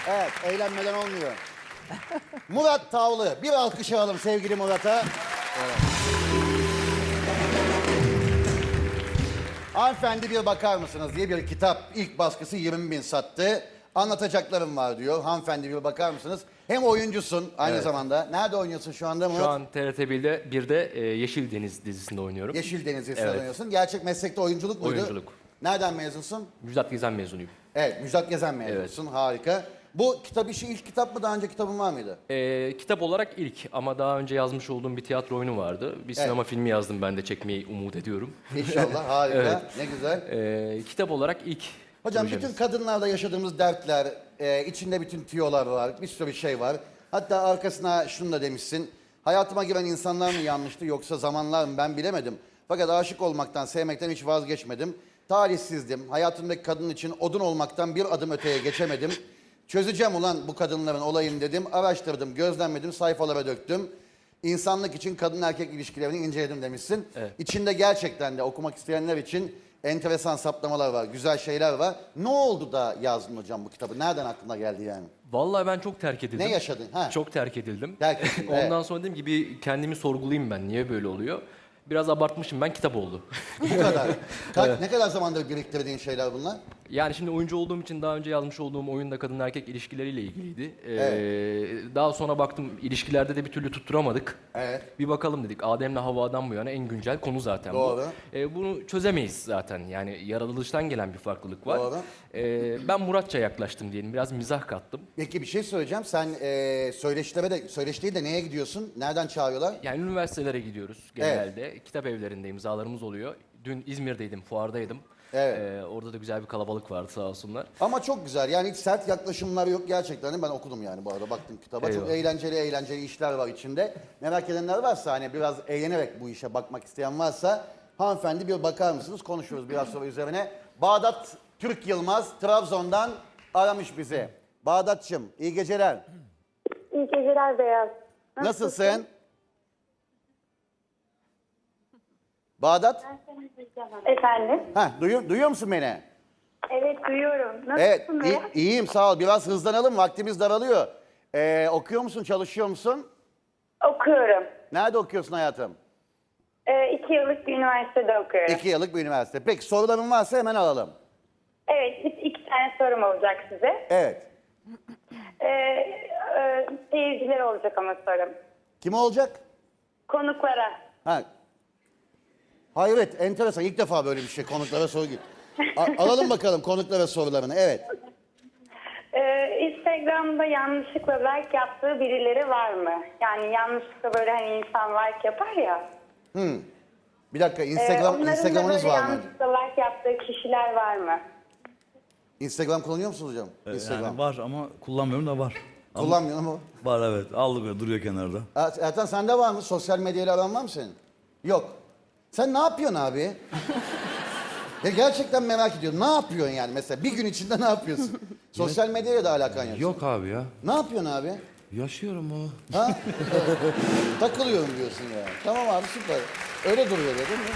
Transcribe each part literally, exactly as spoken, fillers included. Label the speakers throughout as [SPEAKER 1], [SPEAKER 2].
[SPEAKER 1] Evet, eğlenmeden olmuyor. Murat Tavlı. Bir alkış alalım sevgili Murat'a. Evet. Hanımefendi bir bakar mısınız diye bir kitap. İlk baskısı yirmi bin sattı. Anlatacaklarım var diyor. Hanımefendi bir bakar mısınız? Hem oyuncusun aynı
[SPEAKER 2] Evet.
[SPEAKER 1] zamanda. Nerede oynuyorsun şu anda Murat?
[SPEAKER 2] Şu an T R T birde, birde e, Yeşil Deniz dizisinde oynuyorum.
[SPEAKER 1] Yeşil Deniz dizisinde
[SPEAKER 2] Evet.
[SPEAKER 1] oynuyorsun. Gerçek meslekte oyunculuk muydu?
[SPEAKER 2] Oyunculuk.
[SPEAKER 1] Nereden mezunsun?
[SPEAKER 2] Müjdat Gezen mezunuyum.
[SPEAKER 1] Evet, Müjdat Gezen mezunusun. Harika. Bu kitap işi ilk kitap mı? Daha önce kitabın var mıydı?
[SPEAKER 2] E, kitap olarak ilk ama daha önce yazmış olduğum bir tiyatro oyunu vardı. Bir sinema filmi yazdım, ben de çekmeyi umut ediyorum.
[SPEAKER 1] İnşallah. Harika.
[SPEAKER 2] Evet.
[SPEAKER 1] Ne güzel.
[SPEAKER 2] E, kitap olarak ilk
[SPEAKER 1] Hocam
[SPEAKER 2] projemiz.
[SPEAKER 1] bütün kadınlarda yaşadığımız dertler, e, içinde bütün tüyolar var, bir sürü şey var. Hatta arkasına şunu da demişsin. Hayatıma giren insanlar mı yanlıştı yoksa zamanlar mı ben bilemedim. Fakat aşık olmaktan, sevmekten hiç vazgeçmedim. Talihsizdim. Hayatımdaki kadın için odun olmaktan bir adım öteye geçemedim. Çözeceğim ulan bu kadınların olayını dedim. Araştırdım, gözlemledim, sayfalara döktüm. İnsanlık için kadın erkek ilişkilerini inceledim demişsin.
[SPEAKER 2] Evet.
[SPEAKER 1] İçinde gerçekten de okumak isteyenler için enteresan saptamalar var, güzel şeyler var. Ne oldu da yazdın hocam bu kitabı? Nereden aklına geldi yani?
[SPEAKER 2] Vallahi ben çok terk edildim.
[SPEAKER 1] Ne yaşadın? Ha.
[SPEAKER 2] Çok terk edildim.
[SPEAKER 1] Terk edildin,
[SPEAKER 2] Ondan
[SPEAKER 1] evet.
[SPEAKER 2] sonra dedim ki bir kendimi sorgulayayım ben. Niye böyle oluyor? Biraz abartmışım ben, kitap oldu.
[SPEAKER 1] Bu kadar. Ka- Ne kadar zamandır biriktirdiğin şeyler bunlar?
[SPEAKER 2] Yani şimdi oyuncu olduğum için daha önce yazmış olduğum oyun da kadın erkek ilişkileriyle ilgiliydi. Ee, Daha sonra baktım ilişkilerde de bir türlü tutturamadık.
[SPEAKER 1] Evet.
[SPEAKER 2] Bir bakalım dedik. Adem'le Havva'dan bu yana en güncel konu zaten
[SPEAKER 1] Doğru.
[SPEAKER 2] bu. Ee, bunu çözemeyiz zaten. Yani yaratılıştan gelen bir farklılık var.
[SPEAKER 1] Doğru.
[SPEAKER 2] Ee, ben Muratça yaklaştım diyelim. Biraz mizah kattım.
[SPEAKER 1] Peki bir şey söyleyeceğim. Sen e, söyleşilere de, söyleşiye de neye gidiyorsun? Nereden çağırıyorlar?
[SPEAKER 2] Yani üniversitelere gidiyoruz genelde. Kitap evlerinde imzalarımız oluyor. Dün İzmir'deydim, fuardaydım.
[SPEAKER 1] Evet.
[SPEAKER 2] Ee, orada da güzel bir kalabalık vardı sağ olsunlar.
[SPEAKER 1] Ama çok güzel. Yani hiç sert yaklaşımlar yok gerçekten. Ben okudum yani bu arada. Baktım kitaba. Çok
[SPEAKER 2] Eyvallah.
[SPEAKER 1] eğlenceli eğlenceli işler var içinde. Merak edenler varsa hani biraz eğlenerek bu işe bakmak isteyen varsa hanımefendi bir bakar mısınız? Konuşuruz biraz sonra üzerine. Bağdat Türk Yılmaz Trabzon'dan aramış bizi. Bağdat'cığım iyi geceler.
[SPEAKER 3] İyi geceler Beyaz.
[SPEAKER 1] Nasılsın? Bağdat?
[SPEAKER 3] Efendim?
[SPEAKER 1] Ha, duyuyor, duyuyor musun beni?
[SPEAKER 3] Evet duyuyorum. Nasılsın
[SPEAKER 1] Evet, iyi-
[SPEAKER 3] Beyaz?
[SPEAKER 1] iyiyim sağ ol. Biraz hızlanalım, vaktimiz daralıyor. Ee, okuyor musun, çalışıyor musun?
[SPEAKER 3] Okuyorum.
[SPEAKER 1] Nerede okuyorsun hayatım?
[SPEAKER 3] Ee, iki yıllık bir üniversitede okuyorum.
[SPEAKER 1] İki yıllık bir üniversite. Peki soruların varsa hemen alalım.
[SPEAKER 3] Evet, iki, iki tane sorum olacak size.
[SPEAKER 1] Evet.
[SPEAKER 3] Ee, e, seyirciler olacak ama sorum.
[SPEAKER 1] Kim olacak?
[SPEAKER 3] Konuklara.
[SPEAKER 1] Ha. Hayret, enteresan. İlk defa böyle bir şey konuklara soru gibi. A- alalım bakalım konuklara sorularını. Evet.
[SPEAKER 3] Ee, Instagram'da yanlışlıkla like yaptığı birileri var mı? Yani yanlışlıkla böyle hani insan like yapar ya.
[SPEAKER 1] Bir dakika,
[SPEAKER 3] Ee,
[SPEAKER 1] Instagram,
[SPEAKER 3] onların da
[SPEAKER 1] Instagram'ınız
[SPEAKER 3] böyle
[SPEAKER 1] var mı?
[SPEAKER 3] yanlışlıkla like yaptığı kişiler var mı?
[SPEAKER 1] Instagram kullanıyor musunuz hocam?
[SPEAKER 4] Ee,
[SPEAKER 1] Instagram.
[SPEAKER 4] Yani var ama kullanmıyorum da var. Ama
[SPEAKER 1] Kullanmıyorum ama.
[SPEAKER 4] var evet. Aldık böyle duruyor kenarda.
[SPEAKER 1] Er- Ertan sende var mı? Sosyal medyayla aran var mı senin? Yok. Sen ne yapıyorsun abi? Ya gerçekten merak ediyorum. Ne yapıyorsun yani mesela? Bir gün içinde ne yapıyorsun? Sosyal medyayla da alakan yok.
[SPEAKER 5] Yok abi ya.
[SPEAKER 1] Ne yapıyorsun abi?
[SPEAKER 5] Yaşıyorum o.
[SPEAKER 1] Ha? Takılıyorum diyorsun ya. Tamam abi süper. Öyle duruyor değil mi?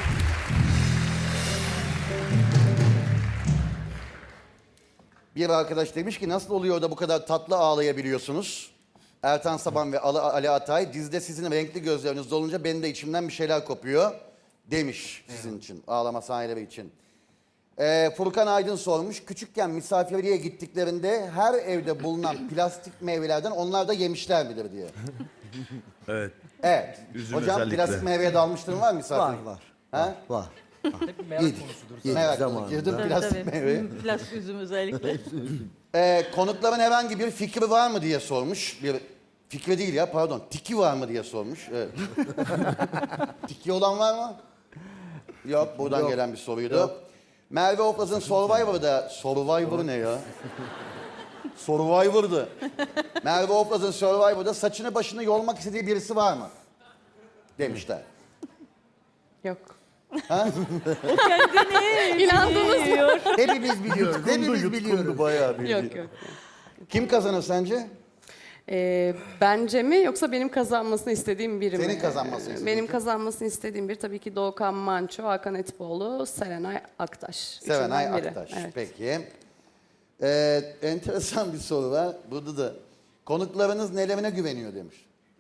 [SPEAKER 1] Bir arkadaş demiş ki nasıl oluyor da bu kadar tatlı ağlayabiliyorsunuz? Ertan Saban ve Ali, Ali Atay dizide sizin renkli gözleriniz dolunca benim de içimden bir şeyler kopuyor demiş sizin için, ağlama sahneleri için. Ee, Furkan Aydın sormuş, küçükken misafirliğe gittiklerinde her evde bulunan plastik meyvelerden onlar da yemişler midir diye.
[SPEAKER 4] Evet.
[SPEAKER 1] Evet.
[SPEAKER 4] Üzüm
[SPEAKER 1] Hocam
[SPEAKER 4] özellikle.
[SPEAKER 1] plastik meyveye dalmışlığın var mı misafir?
[SPEAKER 6] Var var.
[SPEAKER 1] Ha?
[SPEAKER 6] Var.
[SPEAKER 2] Hep bir merak
[SPEAKER 1] Yedik.
[SPEAKER 2] konusudur.
[SPEAKER 6] Yedik
[SPEAKER 1] Merak
[SPEAKER 6] zamanında.
[SPEAKER 1] girdim
[SPEAKER 7] Tabii,
[SPEAKER 1] plastik
[SPEAKER 7] tabii.
[SPEAKER 1] meyveye.
[SPEAKER 7] Plastik üzüm özellikle.
[SPEAKER 1] Ee, konukların herhangi bir fikri var mı diye sormuş. Bir fikri değil ya pardon. Tiki var mı diye sormuş. Evet. Tiki olan var mı? Yok buradan
[SPEAKER 6] Yok.
[SPEAKER 1] gelen bir soruydu. Merve Oflaz'ın Survivor'da... Survivor ne ya? Survivor'dı. Merve Oflaz'ın Survivor'da saçını başını yolmak istediği birisi var mı? Demişler.
[SPEAKER 7] Yok.
[SPEAKER 1] Ha?
[SPEAKER 7] İnandınız mı?
[SPEAKER 1] Hepimiz biliyoruz. Hepimiz biliyoruz. Bayağı bildi.
[SPEAKER 8] Yok yok.
[SPEAKER 1] Kim kazanır sence?
[SPEAKER 8] Ee, bence mi yoksa benim kazanmasını istediğim biri mi?
[SPEAKER 1] Senin kazanmasını istediğin
[SPEAKER 8] Benim
[SPEAKER 1] kim?
[SPEAKER 8] kazanmasını istediğim biri tabii ki Doğukan Manço, Hakan Etipoğlu, Serenay Aktaş.
[SPEAKER 1] Sevenay
[SPEAKER 8] Üçünden biri.
[SPEAKER 1] Aktaş.
[SPEAKER 8] Evet.
[SPEAKER 1] Peki. Ee, enteresan bir soru var. Burada da konuklarınız nelerine güveniyor demiş.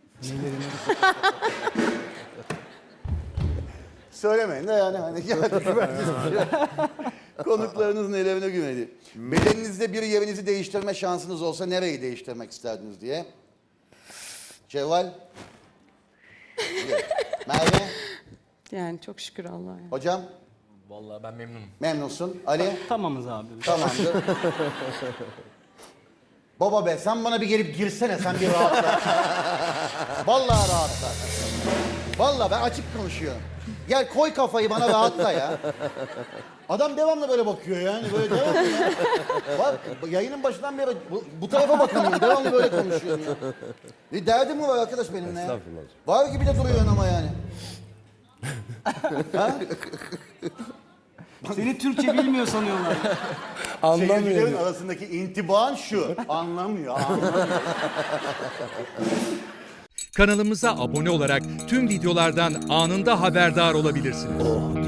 [SPEAKER 1] Söylemeyin de yani hani geldi güvenli. Konuklarınız nelerine güveniyor. Bedeninizde bir yerinizi değiştirme şansınız olsa nereyi değiştirmek isterdiniz diye. Cevval. Merve.
[SPEAKER 8] Yani çok şükür Allah'a. yani.
[SPEAKER 1] Hocam.
[SPEAKER 2] Vallahi ben memnunum.
[SPEAKER 1] Memnunsun. Ali.
[SPEAKER 5] Tamamız abi.
[SPEAKER 1] Tamamdır. Baba be sen bana bir gelip girsene sen bir rahatla. Vallahi rahatla. Vallahi ben açık konuşuyorum. Gel koy kafayı bana rahatla ya. Adam devamlı böyle bakıyor yani böyle devamlı ya. Bak yayının başından beri bu, bu tarafa bakamıyorum devamlı böyle konuşuyorum ya. Bir derdim mi var arkadaş benimle ya?
[SPEAKER 4] Estağfurullah.
[SPEAKER 1] Var gibi de duruyorsun ama yani. Ha?
[SPEAKER 5] Seni Türkçe bilmiyor sanıyorlar.
[SPEAKER 1] Seyircilerin arasındaki intibaan şu. Anlamıyor, anlamıyor.
[SPEAKER 6] Kanalımıza abone olarak tüm videolardan anında haberdar olabilirsiniz.